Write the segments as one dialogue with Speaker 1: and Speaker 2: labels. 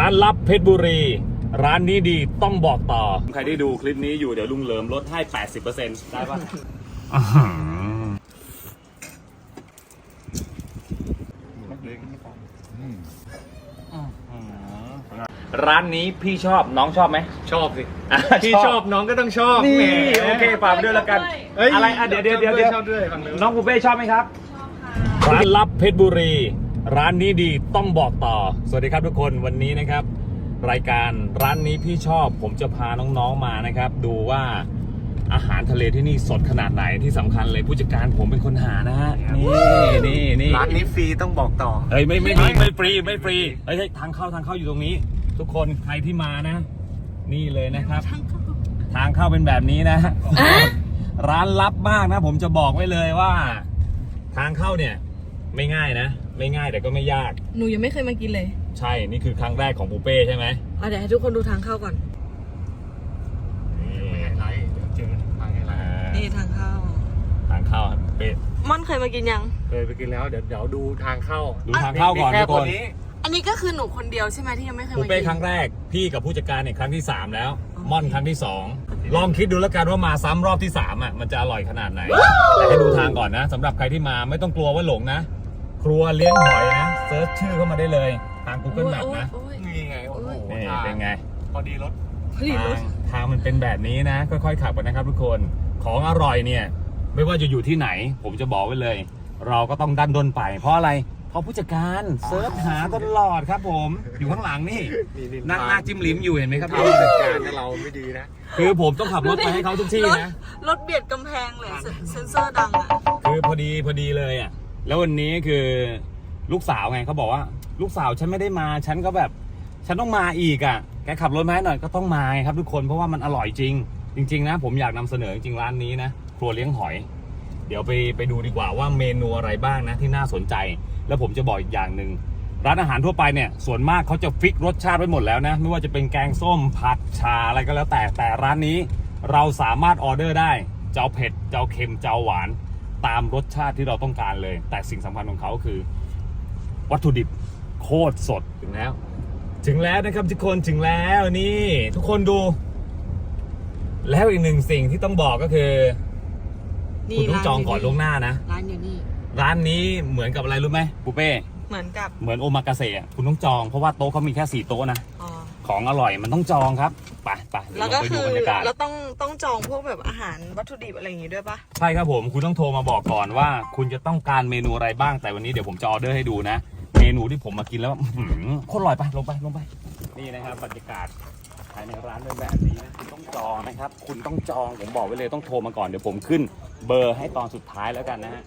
Speaker 1: ร้านลับเพชรบุรีร้านนี้ดีต้องบอกต่อใครได้ดูคลิปนี้อยู่เดี๋ยวลุงเหลิมลดให้ 80% ได้ปะร้านนี้พี่ชอบน้องชอบไหม
Speaker 2: ชอบสิพี่ชอบน้องก็ต้องชอบ
Speaker 1: นี่โอเคฝากด้วยแล้วกันอะไรเดี๋ยว
Speaker 2: ชอบด้วย
Speaker 1: น้องปูเป้ชอบไหมครับชอบค่ะร้านลับเพชรบุรีร้านนี้ดีต้องบอกต่อสวัสดีครับทุกคนวันนี้นะครับรายการร้านนี้พี่ชอบผมจะพาน้องๆมานะครับดูว่าอาหารทะเลที่นี่สดขนาดไหนที่สำคัญเลยผู้จัดการผมเป็นคนหานะฮะนี่
Speaker 2: ร้านนี้ฟรีต้องบอกต่อ
Speaker 1: เฮ้ยไม่ฟรีเฮ้ยทางเข้าอยู่ตรงนี้ทุกคนใครที่มานะนี่เลยนะครับทางเข้าเป็นแบบนี้นะร้านลับมากนะผมจะบอกไว้เลยว่าทางเข้าเนี่ยไม่ง่ายนะไม่ง่ายแต่ก็ไม่ยาก
Speaker 3: หนูยังไม่เคยมากินเลย
Speaker 1: ใช่นี่คือครั้งแรกของปูเป้ใช่ไหม
Speaker 3: เดี๋ยวให้ทุกคนดูทางเข้าก่อน
Speaker 2: ไม่ไงไรเดี๋ยวเจอทางไงไร
Speaker 3: นี่ทางเข้า
Speaker 1: ปูเป้
Speaker 3: ม่อนเคยมากินยัง
Speaker 2: เคยไปกินแล้วเดี๋ยวดูทางเข้า
Speaker 1: ก่อนทุกคน
Speaker 3: อันนี้ก็คือหนูคนเดียวใช่ไหมที่ยังไม่เคยมากิน
Speaker 1: ปูเป้ครั้งแรกพี่กับผู้จัดการเนี่ยครั้งที่3แล้วม่อนครั้งที่2ลองคิดดูแล้วกันว่ามาซ้ำรอบที่3อ่ะมันจะอร่อยขนาดไหนแต่ให้ดูทางก่อนนะสำหรับใครที่มาไม่ต้องกลัวว่าหลงนะครัวเลี้ยงหอยนะเซิร์ชชื่อเข้ามาได้เลยทาง Google Map นะ
Speaker 2: นี่ไงโอ้โห
Speaker 1: เป็นไง
Speaker 2: พอดีรถ
Speaker 1: ทางมันเป็นแบบนี้นะค่อยๆขับกันนะครับทุกคนของอร่อยเนี่ยไม่ว่าจะอยู่ที่ไหนผมจะบอกไว้เลยเราก็ต้องดันด้นไปเพราะอะไรเพราะผู้จัดการเซิร์ชหาตลอดครับผมอยู่ข้างหลังนี่นั่งหน้าจิ้มลิ้มอยู่เห็นไหมครับ
Speaker 2: ผู้จัดการเราไม่ดีนะ
Speaker 1: คือผมต้องขับรถไปให้เขาทุกที่นะ
Speaker 3: รถเบียดกำแพงเลยเซนเซอร์ดังอ่ะ
Speaker 1: คือพอดีเลยอ่ะแล้ววันนี้คือลูกสาวไงเขาบอกว่าลูกสาวฉันไม่ได้มาฉันก็แบบฉันต้องมาอีกอ่ะแกขับรถมาให้หน่อยก็ต้องมาครับทุกคนเพราะว่ามันอร่อยจริงนะผมอยากนำเสนอจริงร้านนี้นะครัวเลี้ยงหอยเดี๋ยวไปดูดีกว่าว่าเมนูอะไรบ้างนะที่น่าสนใจแล้วผมจะบอกอีกอย่างหนึ่งร้านอาหารทั่วไปเนี่ยส่วนมากเขาจะฟิกรสชาติไว้หมดแล้วนะไม่ว่าจะเป็นแกงส้มผัดชาอะไรก็แล้วแต่ร้านนี้เราสามารถออเดอร์ได้จะเอาเผ็ดจะเอาเค็มจะเอาหวานตามรสชาติที่เราต้องการเลยแต่สิ่งสำคัญของเขาคือวัตถุดิบโคตรสดถึงแล้วนะครับทุกคนถึงแล้วนี่ทุกคนดูแล้วอีกหนึ่งสิ่งที่ต้องบอกก็คือคุณต้องจองก่อนล่วงหน้านะ
Speaker 3: ร้านอยู่นี่
Speaker 1: ร้านนี้เหมือนกับอะไรรู้ไหมปูเป้
Speaker 3: เหมือน
Speaker 1: โอมากาเสะคุณต้องจองเพราะว่าโต๊ะเขามีแค่4โต๊ะนะของอร่อยมันต้องจองครับไป
Speaker 3: แล้วก็คือเราต้องจองพวกแบบอาหารวัตถุดิบอะไรอย่างงี้ด้วยปะ
Speaker 1: ใช่ครับผมคุณต้องโทรมาบอกก่อนว่าคุณจะต้องการเมนูอะไรบ้างแต่วันนี้เดี๋ยวผมจะออเดอร์ให้ดูนะเมนูที่ผมมากินแล้วโคตรอร่อยไปลงไปนี่นะครับบรรยากาศภายในร้านเป็นแบบนี้นะคุณต้องจองนะครับคุณต้องจองผมบอกไว้เลยต้องโทรมาก่อนเดี๋ยวผมขึ้นเบอร์ให้ตอนสุดท้ายแล้วกันนะฮะ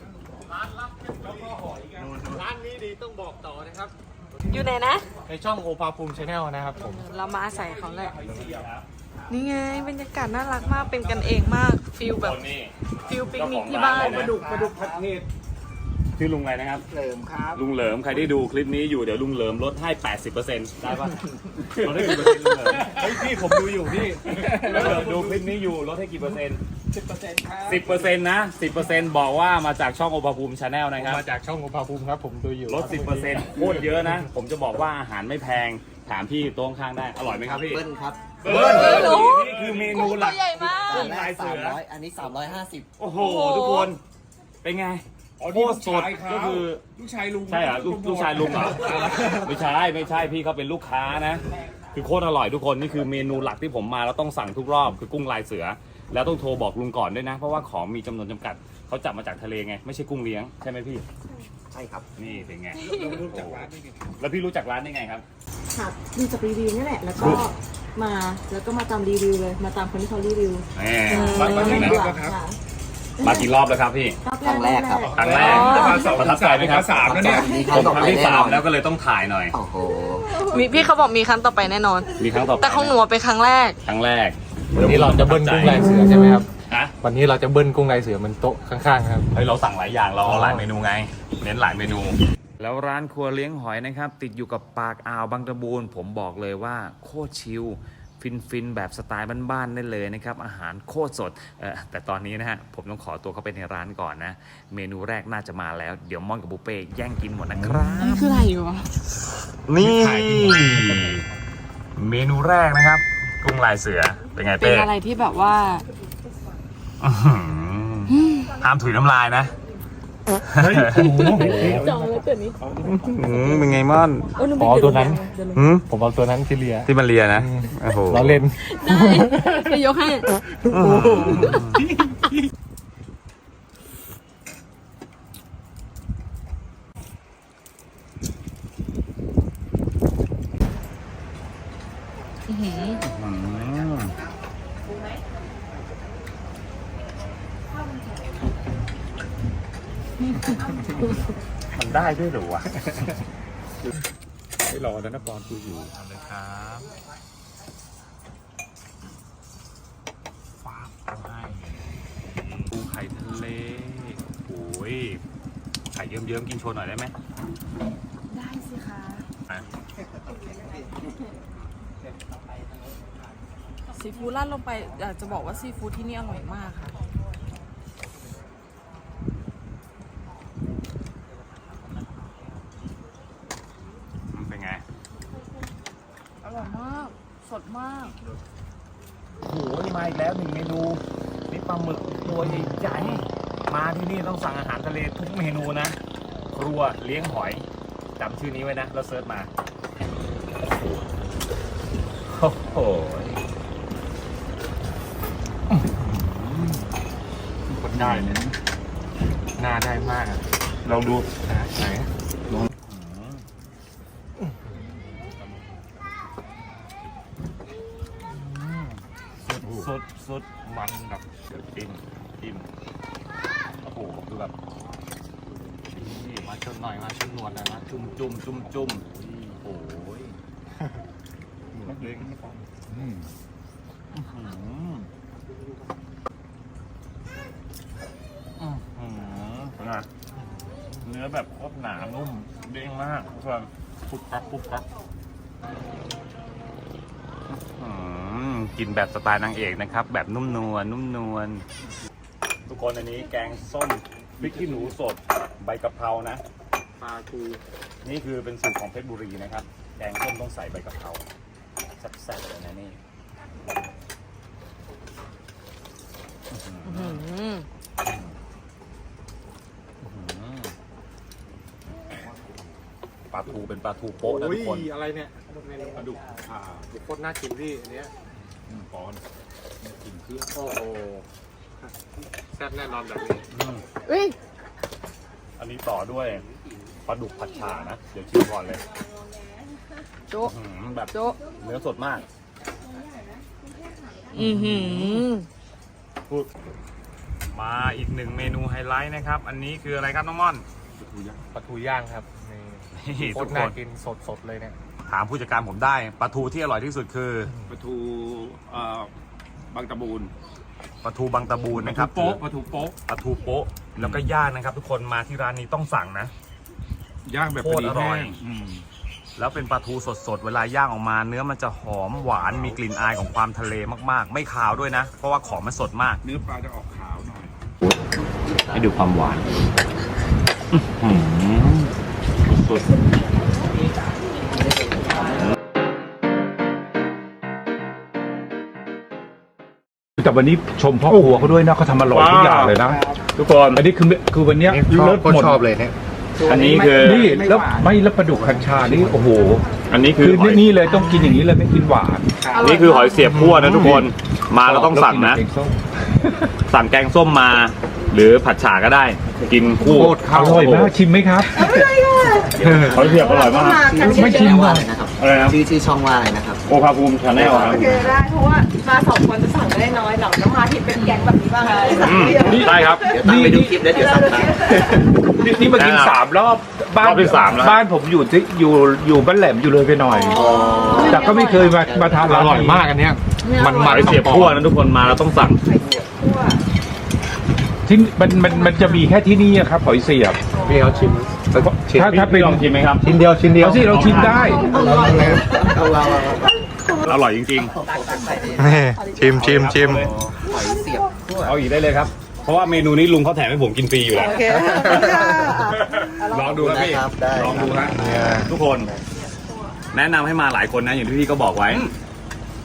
Speaker 2: ร้านนี้ดีต้องบอกต่อนะครับ
Speaker 3: อยู่ไหนนะ
Speaker 2: ในช่องโอภาภูมิชาแนลนะครับผม
Speaker 3: เรามาอาศัยเขาแหละนี่ไงบรรยากาศน่ารักมากเป็นกันเองมากฟิลแบบฟิลปิกนิกที่บ้าน
Speaker 1: ปลาดุกผัดเผ็ดชื่อลุงอะไรนะครับ
Speaker 2: เหลิมครับ
Speaker 1: ลุงเหลิมใครได้ดูคลิปนี้อยู่เดี๋ยวลุงเหลิมลดให้ 80% ได้ปะลดให้กี่เปอร์เซ็นต์ลุงเหลิม
Speaker 2: เฮ้ยพี่ผมดูอยู่พี่
Speaker 1: ดูคลิปนี้อยู่ลดให้กี่เปอร์เซ็นต์
Speaker 2: 10%ครับ
Speaker 1: 10%นะ10%บอกว่ามาจากช่องโอภาภูมิชาแนลนะครับ
Speaker 2: มาจากช่องโอภาภูมิครับผมดูอยู่
Speaker 1: ลด 10% โคตรเยอะนะผมจะบอกว่าอาหารไม่แพงถามพี่โต๊ะข้างได้อร่อยไหมครับพี่
Speaker 4: เบิ้ลครับ
Speaker 1: เบิ้ลนี่คือเมนูหลัก
Speaker 3: กุ้ง
Speaker 1: ลายเสือ
Speaker 4: อันนี้350
Speaker 1: โอ้โหทุกคนเป็นไงโคตรสดก็คือ
Speaker 2: ลูกชายลุง
Speaker 1: ใช่เหรอลูกชายลุงเหรอไม่ใช่พี่เขาเป็นลูกค้านะคือโคตรอร่อยทุกคนนี่คือเมนูหลักที่ผมมาแล้วต้องสั่งทุกรอบคือกุ้งลายเสือแล้วต้องโทรบอกลุงก่อนด้วยนะเพราะว่าของมีจำนวนจำกัดเขาจับมาจากทะเลไงไม่ใช่กุ้งเลี้ยงใช่ไหมพี่
Speaker 4: ใช่ครับ
Speaker 1: นี่เป็นไงแล้วพี่รู้จักร้านได้ไงครับ
Speaker 5: ค่ะดูจากรีวิวนี่แหละแล้วก็มาตามรีวิวเลยมาตามคนที่เขารีวิว
Speaker 1: มากี่รอบแล้วครับพี่
Speaker 4: ครั้งแรกครับ
Speaker 1: ครั้งแรกประทับใจไหมครับ
Speaker 2: 3แล้วเนี่ย
Speaker 1: ผมครั้งที่3แล้วก็เลยต้องถ่ายหน่อย
Speaker 4: โอ้โห
Speaker 3: มีพี่เขาบอกมีครั้งต่อไปแน่นอน
Speaker 1: มีครั้งต่อไป
Speaker 3: แต่ของหนูเป็นครั้งแรก
Speaker 2: วันนี้เราจะเบิ้ลกุ้งลายเสือใช่ไหมครับ
Speaker 1: ฮะ
Speaker 2: วันนี้เราจะเบิ้ลกุ้งลายเสือมันโต๊ะข้างๆครับ
Speaker 1: เฮ้ยเราสั่งหลายอย่างเราเอาหลายเมนูไงเน้นหลายเมนูแล้วร้านครัวเลี้ยงหอยนะครับติดอยู่กับปากอ่าวบางตะบูนผมบอกเลยว่าโคตรชิลฟินแบบสไตล์บ้านๆได้เลยนะครับอาหารโคตรสดแต่ตอนนี้นะฮะผมต้องขอตัวเข้าไปในร้านก่อนนะเมนูแรกน่าจะมาแล้วเดี๋ยวม่อนกับบุฟเป้แย่งกินหมดนะครับ
Speaker 3: นี่คืออะไรอยู่วะ
Speaker 1: นี่เมนูแรกนะครับกุ้งลายเสือเป็นไง
Speaker 3: เป็
Speaker 1: เป้
Speaker 3: นอะไรที่แบบว่า
Speaker 1: อื้อหือห้ามถุยน้ำลายนะ
Speaker 3: จองแล้วตัวนี้
Speaker 1: เป็นไงม่อน
Speaker 2: อ๋อตัวนั้น
Speaker 1: หืม
Speaker 2: ผมเอาตัวนั้นที่เลีย
Speaker 1: ที่มันเลียนะโอ้โห
Speaker 2: เราเล่น
Speaker 3: ได้จะยกให้
Speaker 1: มันได้ด้วยเหรอวะ
Speaker 2: ไม่รอแล้วนะปอนกูอยู่
Speaker 1: เอาเลยครับฟ้าบเอาให้ปูไข่ทะเลโอ้ยไข่เยิ้มๆกินโชว์หน่อยได้ไหม
Speaker 3: ได้สิคะ
Speaker 1: อ่ะ
Speaker 3: ซีฟู้ดราดลงไปอยากจะบอกว่าซีฟู้ดที่นี่อร่อยมากค่ะ
Speaker 1: เป็นไง
Speaker 3: อร่อยมาก สดมาก
Speaker 1: โอ้โหมาอีกแล้วหนึ่งเมนูนี่ปลาหมึกตัวใหญ่ๆมาที่นี่ต้องสั่งอาหารทะเลทุกเมนูนะ ครัวเลี้ยงหอยจำชื่อนี้ไว้นะแล้วเซิร์ชมาโอ้โหคนได้เลยน่าได้มากอ่ะลองดูไหนสุดมันแบบจิ้มโอ้โหคือแบบนี่มาชนหน่อยมาชนหนวดหน่อยมาจุ่มโอ้ยนักเลงไม่ฟังเนื้อแบบโคตรหนานุ่มเด้งมากส่วนปุ๊บปั๊บกินแบบสไตล์นางเอกนะครับ แบบนุ่มนวลทุกคนอันนี้แกงส้มพริกขี้หนูสดใบกะเพรานะปลาทูนี่คือเป็นสูตรของเพชรบุรีนะครับ แกงส้มต้องใส่ใบกะเพราแซ่บๆเลยนะนี่ปลาทูเป็นปลาทูโป๊ะนะทุกคน
Speaker 2: อะไรเนี่ยปลาดุกโคตรน่ากินพี่อันเนี้ยปอนกินเครื่องโอ้โหแซ่บแน่นอนแบบนี้
Speaker 1: อันนี้ต่อด้วยปลาดุกผัดฉ่านะ เดี๋ยวชิมก่อนเลย
Speaker 3: โจ๊ะ
Speaker 1: แบบ
Speaker 3: โจ๊ะ
Speaker 1: เนื้อสดมาก พูดมาอีกหนึ่งเมนูไฮไลท์นะครับ อันนี้คืออะไรครับน้องม่อน
Speaker 2: ปลาทูย่างครับนี่
Speaker 1: นี่
Speaker 2: โค
Speaker 1: ทุ
Speaker 2: ต
Speaker 1: ก
Speaker 2: ร
Speaker 1: ค
Speaker 2: น่าน กินสดเลยเนี่ย
Speaker 1: ถามผู้จัดการผมได้ปลาทูที่อร่อยที่สุดคือ
Speaker 6: ปลาทูบางตะบูน
Speaker 1: ปลาทูบางตะบูนนะครับ
Speaker 6: ปลาทูโป๊ะ
Speaker 1: ปลาทูโป๊ะแล้วก็ย่างนะครับ ทุกคนมาที่ร้านนี้ต้องสั่งนะ
Speaker 6: ย่างแบบ
Speaker 1: โคตรอร่อย
Speaker 6: แห้ง
Speaker 1: แล้วเป็นปลาทูสดๆเวลาย่างออกมาเนื้อมันจะหอมหวานมีกลิ่นอายของความทะเลมากๆ ไม่คาวด้วยนะ เพราะว่าของมันสดมาก
Speaker 6: เนื้อปลาจะออกขาวหน่อย
Speaker 1: ให้ดูความหวานสุด
Speaker 7: แต่วันนี้ชมพ่อครัวเขาด้วยนะเขาทำอร่อยทุกอย่างเลยนะ
Speaker 1: ทุกคน
Speaker 7: อันนี้คือวันเนี้ย
Speaker 2: ชอบ
Speaker 7: เลิศ
Speaker 2: โคต
Speaker 7: หม
Speaker 2: ร
Speaker 7: ด
Speaker 2: ชอบเลยเนี่ย
Speaker 1: อันนี้คือ
Speaker 7: นี่แล้วไม่แล้วปลาดุกคัญชานี่โอ้โห
Speaker 1: อันนี้คื
Speaker 7: คือ อ
Speaker 1: หอย
Speaker 7: นี่เลยต้องกินอย่างนี้เลยไม่กินหวาน
Speaker 1: นี่คือหอยเสียบคั่วนะทุกคนมาเราต้องสั่งนะ
Speaker 7: แล้วกิแกส้ม
Speaker 1: สั่งแกงส้มมา หรือผัดฉ่าก็ได้ กินคู่
Speaker 2: โคตร
Speaker 7: อร่อยมากชิมไหมครับ
Speaker 1: หอยเสียบอร่อยมาก
Speaker 7: ไม่ชิม
Speaker 4: ว่า
Speaker 7: อ่ะ
Speaker 4: อะไรนะครับ
Speaker 1: อะไรนะ
Speaker 4: ชื่อช่องว่าอะไรนะครับ
Speaker 1: โอภาภูมิชาแนลครับ
Speaker 5: โอเคได้เพราะว่ามาสองคนจะสั่งได้น้อยเราต้องมาที่เป็นแก๊งแบบนี้บ้างเลยสั่งเดียว
Speaker 1: ได้ครับ
Speaker 4: เดี๋ยวตามไปดูคลิปแล้วเดี๋ยวสั่งตาม
Speaker 7: นี่มากิน
Speaker 1: แนะนำ
Speaker 7: 3 รอบบ้าน
Speaker 1: รอบที่3แล้ว
Speaker 7: บ้านผมอยู่บ้านแหลมอยู่เลยไปหน่อย แต่ก็ไม่เคยมาทาน
Speaker 2: อ
Speaker 7: ร้าน
Speaker 2: ร่อยมากอันเนี้ยมัน
Speaker 1: หอยเสียบคั่วนะทุกคนมาเราต้องสั่ง
Speaker 7: ที่มันจะมีแค่ที่นี่อะครับหอยเสียบ
Speaker 2: พี่เขาชิม
Speaker 7: ถ้าเป็น
Speaker 1: ลองชิมไหมครับ
Speaker 2: ชิ้นเดียว
Speaker 7: เอาสิเราชิมได้
Speaker 1: อร่อยจริง
Speaker 2: ชิม
Speaker 1: ๆเอาอีกได้เลยครับ เพราะว่าเมนูนี้ลุงเขาแถมให้ผมกินฟรีอยู่แล้ว
Speaker 5: โอเค
Speaker 1: ลองดูนะพี่
Speaker 4: ได้ครับได้
Speaker 1: ลองดูฮะทุกคน แนะนำให้มาหลายคนนะอย่างที่พี่ก็บอกไว้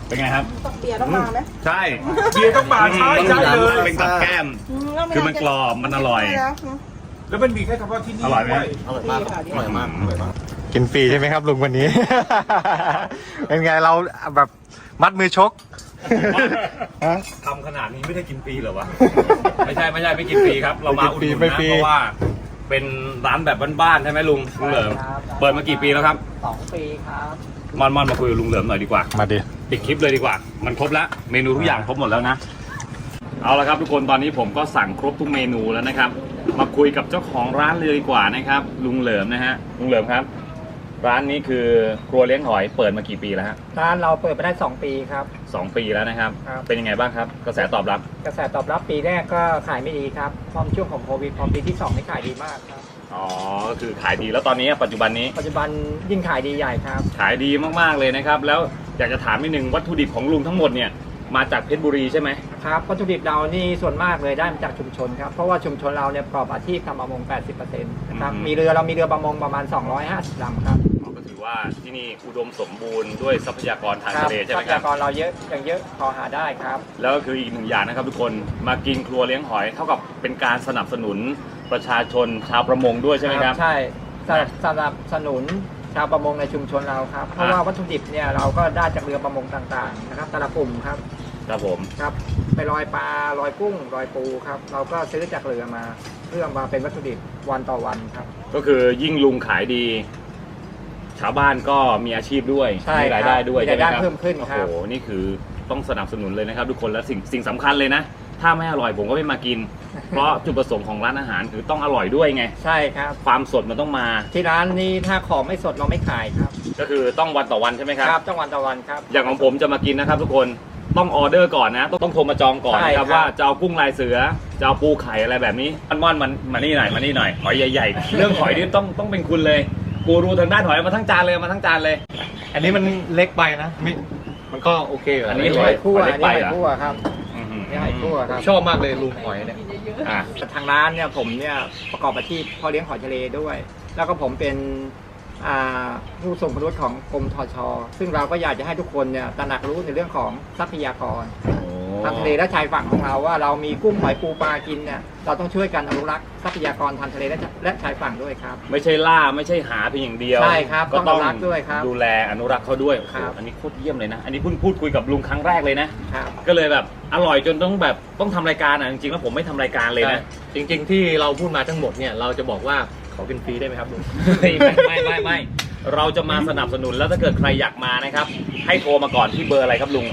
Speaker 1: เป็นไงครับ
Speaker 5: ตกเบียร์ต้องมาไหม
Speaker 1: ใช่
Speaker 6: เบียร์ต้องมาใช่ใช่เลย
Speaker 1: เป็นกับแก้ม คือมันกรอบมันอร่อย
Speaker 6: แล้วมันมีแค่เฉพาะที่นี่
Speaker 1: อร่อยไหม
Speaker 6: ด้ว
Speaker 4: อร่อยมากอร่อยมากอร่อยมาก
Speaker 2: กินฟรีใช่ไหมครับลุงวันนี้ เป็นไงเราแบบมัดมือชก
Speaker 1: ทำขนาดนี้ไม่ได้กินฟรีเหรอวะ ไม่ใช่ไม่กินฟรีครับ เรามาอุดหนุน
Speaker 2: ไม่
Speaker 1: นะ
Speaker 2: ฟรี
Speaker 1: เพราะว่าเป็นร้านแบบบ้านๆใช่ไหมลุงเหลิมเปิดมากี่ปีแล้วครับ
Speaker 4: 2 ปีครับ
Speaker 1: มอนมาคุยกับลุงเหลิมหน่อยดีกว่า
Speaker 2: มาดิ
Speaker 1: ปิดคลิปเลยดีกว่า มันครบแล้วเมนูทุกอย่างครบหมดแล้วนะ เอาละครับทุกคนตอนนี้ผมก็สั่งครบทุกเมนูแล้วนะครับ มาคุยกับเจ้าของร้านเลยดีกว่านะครับลุงเหลิมนะฮะลุงเหลิมครับ ร้านนี้คือครัวเลี้ยงหอยเปิดมากี่ปีแล้วฮะ
Speaker 8: ร้านเราเปิดมาได้ 2 ปีครับ
Speaker 1: 2 ปีแล้วนะครับ
Speaker 8: ครับ
Speaker 1: เป็นยังไงบ้างครับกระแสตอบรับ
Speaker 8: กระแสตอบรับปีแรกก็ขายไม่ดีครับพอช่วงของโควิดพอปีที่2นี่ขายดีมากครับ
Speaker 1: อ๋อก็คือขายดีแล้วตอนนี้ปัจจุบันนี้
Speaker 8: ปัจจุบันยิ่งขายดีใหญ่ครับ
Speaker 1: ขายดีมากๆเลยนะครับ แล้วอยากจะถามนิดนึงวัตถุดิบของลุงทั้งหมดเนี่ยมาจากเพชรบุรีใช่ไหไหม
Speaker 8: ครับวัตถุดิบเรานี่ส่วนมากเลยได้มาจากชุมชนครับเพราะว่าชุมชนเราเนี่ยประกอบอาชีพทำประมง 80%นะครับมีเรือเรามีเรือประมงประมาณ 250 ลำครับ
Speaker 1: ก็ถือว่าที่นี่อุดมสมบูรณ์ด้วยทรัพยากรทาง
Speaker 8: ครั
Speaker 1: ทะเลใช่
Speaker 8: ท
Speaker 1: ไห
Speaker 8: รั
Speaker 1: ม
Speaker 8: พ
Speaker 1: ครั
Speaker 8: ยา
Speaker 1: บ
Speaker 8: กรเราเยอะยังเยอะพอหาได้ครับ
Speaker 1: แล้วก็คืออีกหนึ่งอย่างนะครับทุกคนมากินครัวเลี้ยงหอยเท่ากับเป็นการสนับสนุนประชาชนชาวประมงด้วยใช่ไหมครับ
Speaker 8: ใช่สนับสนุนชาวประมงในชุมชนเราครับ เพราะว่าวัตถุดิบเนี่ยเราก็ได้จากเรือประมงต่างๆนะครับแต่ละกลุ่มครับ
Speaker 1: ครับผม
Speaker 8: ครับไปลอยปลาลอยกุ้งลอยปูครับเราก็ซื้อจากเรือมาเพื่อมาเป็นวัตถุดิบวันต่อวันครับ
Speaker 1: ก็คือยิ่งลุงขายดี ชาวบ้านก็มีอาชีพด้วย
Speaker 8: ใช่
Speaker 1: มีรายได้ด้วย
Speaker 8: มี
Speaker 1: ใช่
Speaker 8: ราย
Speaker 1: ไหมครับ
Speaker 8: ได้เพิ่มขึ้นครับ
Speaker 1: โอ้โหนี่คือต้องสนับสนุนเลยนะครับ ทุกคนและสิ่งสำคัญเลยนะ ถ้าไม่อร่อยผมก็ไม่มากิน เพราะจุดประสงค์ของร้านอาหารคือต้องอร่อยด้วยไง
Speaker 8: ใช่ครับ
Speaker 1: ความสดมันต้องมา
Speaker 8: ที่ร้านนี้ถ้าของไม่สดเราไม่ขายครับ
Speaker 1: ก็คือต้องวันต่อวันใช่ไหมครับ
Speaker 8: ครับต้องวันต่อวันครับ
Speaker 1: อย่างของผมจะมากินนะครับ ทุกคนต้องออเดอร์ก่อนนะ ต้องโทรมาจองก่อน
Speaker 8: ใช่
Speaker 1: นะครับ
Speaker 8: ครับ
Speaker 1: ว่าจะเอากุ้งลายเสือจะเอาปูไข่อะไรแบบนี้ม่อนมันมานี่หน่อยมานี่หน่อยหอยใหญ่ๆ เรื่องหอยนี่ต้องเป็นคุณเลยกูรู้ทางด้านหอยมาทั้งจานเลยมาทั้งจานเลย
Speaker 2: อันนี้มันเล็กไปนะมันก็โอเคอยู่
Speaker 1: อั
Speaker 2: นะ
Speaker 1: นนี้
Speaker 8: นี่
Speaker 1: ห
Speaker 8: ห
Speaker 1: อ
Speaker 8: อย ยคั่ว
Speaker 1: หอยเล็ก
Speaker 8: นี่
Speaker 1: ไป
Speaker 8: หอย
Speaker 1: เหรอ
Speaker 8: คั่วครับ
Speaker 1: อื้อหือ
Speaker 8: นี่หอยคั่วครับ
Speaker 2: ชอบมากเลยลุงหอยเนี่ย
Speaker 1: อ่ะ
Speaker 8: ทางร้านเนี่ยผมเนี่ยประกอบอาชีพพ่อเลี้ยงหอยทะเลด้วย แล้วก็ผมเป็นผู้ทรงคุณวุฒิของกรมทช.ซึ่งเราก็อยากจะให้ทุกคนเนี่ยตระหนักรู้ในเรื่องของทรัพยากรทางทะเลและชายฝั่งของเราว่าเรามีกุ้งหอยปูปลากินเนี่ยเราต้องช่วยกันอนุรักษ์ทรัพยากรทางทะเลและชายฝั่งด้วยครับ
Speaker 1: ไม่ใช่ล่าไม่ใช่หาเพียงอย่างเดียว
Speaker 8: ใช่ครับ
Speaker 1: ก็ต้อง
Speaker 8: ต้องอนุรักษ์ด้วยครับ
Speaker 1: ดูแลอนุรักษ์เขาด้วย
Speaker 8: ครับ
Speaker 1: โอ้โหอันนี้โคตรเยี่ยมเลยนะ อันนี้เพิ่งพูดคุยกับลุงครั้งแรกเลยนะ
Speaker 8: ครับ
Speaker 1: ก็เลยแบบอร่อยจนต้องทำรายการอ่ะจริงๆแล้วผมไม่ทำรายการเลยนะ
Speaker 2: จริง ๆ ที่เราพูดมาทั้งหมดเนี่ยเราจะบอกว่าขอกินฟรีได้ไหมครับลุง
Speaker 1: ไม่เราจะมาสนับสนุนแล้วถ้าเกิดใครอยากมานะครับ ให้โทรมาก่อนที่เบอร์อะไรครับลุง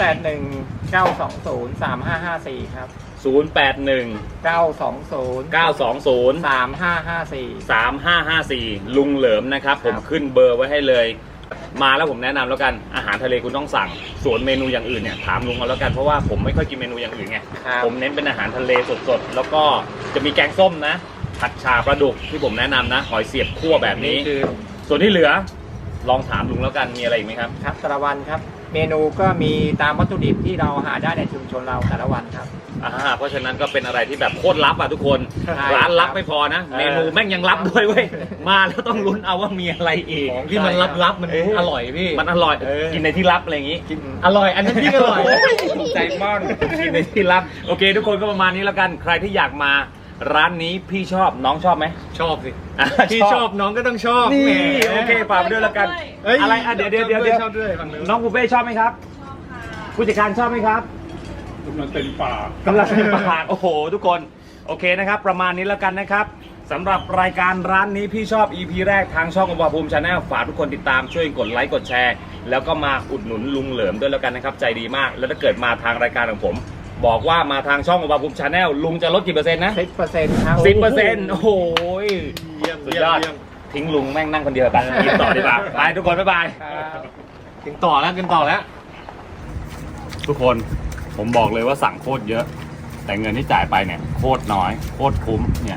Speaker 8: 0819203554 ครับ
Speaker 1: 081
Speaker 8: 920
Speaker 1: 920
Speaker 8: 3554
Speaker 1: 3554 ลุงเหลิมนะครับ ผมขึ้นเบอร์ไว้ให้เลย มาแล้วผมแนะนำแล้วกันอาหารทะเลคุณต้องสั่ง ส่วนเมนูอย่างอื่นเนี่ยถามลุงเอาแล้วกันเพราะว่าผมไม่ค่อยกินเมนูอย่างอื่นไง
Speaker 8: ครับ
Speaker 1: ผมเน้นเป็นอาหารทะเลสดๆ แล้วก็จะมีแกงส้มนะ ผัดชาปลาดุกที่ผมแนะนำนะ หอยเสียบคั่วแบบนี้
Speaker 8: คือ
Speaker 1: ส่วนที่เหลือ ลองถามลุงแล้วกัน มีอะไรอีกไหมครับ
Speaker 8: ครับแต่ละวันครับ เมนูก็มีตามวัตถุดิบที่เราหาได้ในชุมชนเราแต่ละวันครับ
Speaker 1: เพราะฉะนั้นก็เป็นอะไรที่แบบโคตรลับอ่ะทุกคน
Speaker 8: ใช่
Speaker 1: ร้านลับไม่พอนะ เมนูแม่งยังลับด้วยเว้ย มาแล้วต้องลุ้นเอาว่ามีอะไรอีก
Speaker 2: ของที่มันลับๆมันอร่อยพี่
Speaker 1: มันอร่อย กินในที่ลับอะไรอย่างงี้
Speaker 2: อร่อยอันนั้นพี่อร่อย
Speaker 1: ใจมากกินในที่ลับ โอเค ทุกคนก็ประมาณนี้แล้วกัน ใครที่อยากมาร้านนี้พี่ชอบน้องชอบไหม
Speaker 2: ชอบสิ
Speaker 1: อ่ะ
Speaker 2: พี่ชอบน้องก็ต้องชอบ
Speaker 1: นี่
Speaker 2: แหม
Speaker 1: โอเคฝากไปด้วยแล้วกัน
Speaker 2: เอ้ย
Speaker 1: อะไรเดี๋ยว
Speaker 2: ชอบด้วยฟังเลย
Speaker 1: น้องปูเป้ชอบไหมครับ ผู้จัดการชอบไหมครับ
Speaker 6: มันเป็นป่าก
Speaker 1: ำลังเป็นปากโอ้โห ทุกคนโอเคนะครับ ประมาณนี้แล้วกันนะครับสำหรับรายการร้านนี้พี่ชอบ EP แรกทางช่องอมรภูมิชาแนลฝากทุกคนติดตามช่วยกดไลค์กดแชร์ แล้วก็มาอุดหนุนลุงเหลิมด้วยแล้วกันนะครับใจดีมาก แล้วถ้าเกิดมาทางรายการของผม บอกว่ามาทางช่องอมรภูมิชาแนลลุงจะลดกี่เปอร์เซ็นต์นะ
Speaker 8: 10%ครับ
Speaker 1: 10%โอ้โห
Speaker 2: เยี่ยม
Speaker 1: สุดยอด
Speaker 2: เยี่ยม
Speaker 1: ทิ้งลุงแม่งนั่งคนเดียวไปกินต่อดีกว่าไปทุกคนบ๊ายบาย
Speaker 8: ครับ
Speaker 2: กินต่อแล้วกินต่อแล้ว
Speaker 1: ทุกคนผมบอกเลยว่าสั่งโคตรเยอะ แต่เงินที่จ่ายไปเนี่ยโคตรน้อยโคตรคุ้มเนี่ย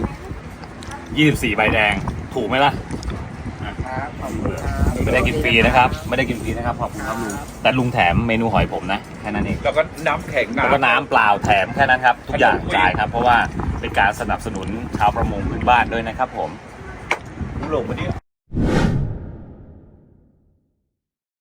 Speaker 1: 24ใบแดงถูกไหมล่ะไม่ได้กินฟรีนะครับ ไม่ได้กินฟรีนะครับขอบคุณครับลุงแต่ลุงแถมเมนูหอยผมนะแค่นั้นเอง
Speaker 6: แล้วก็น้ำแข็ง
Speaker 1: แล้วก็น้ำเปล่าแถมแค่นั้นครับทุกอย่างจ่ายครับ เพราะว่าเป็นการสนับสนุนชาวประมงพื้นบ้านด้วยนะครับผม
Speaker 6: หลงมาเนี่ย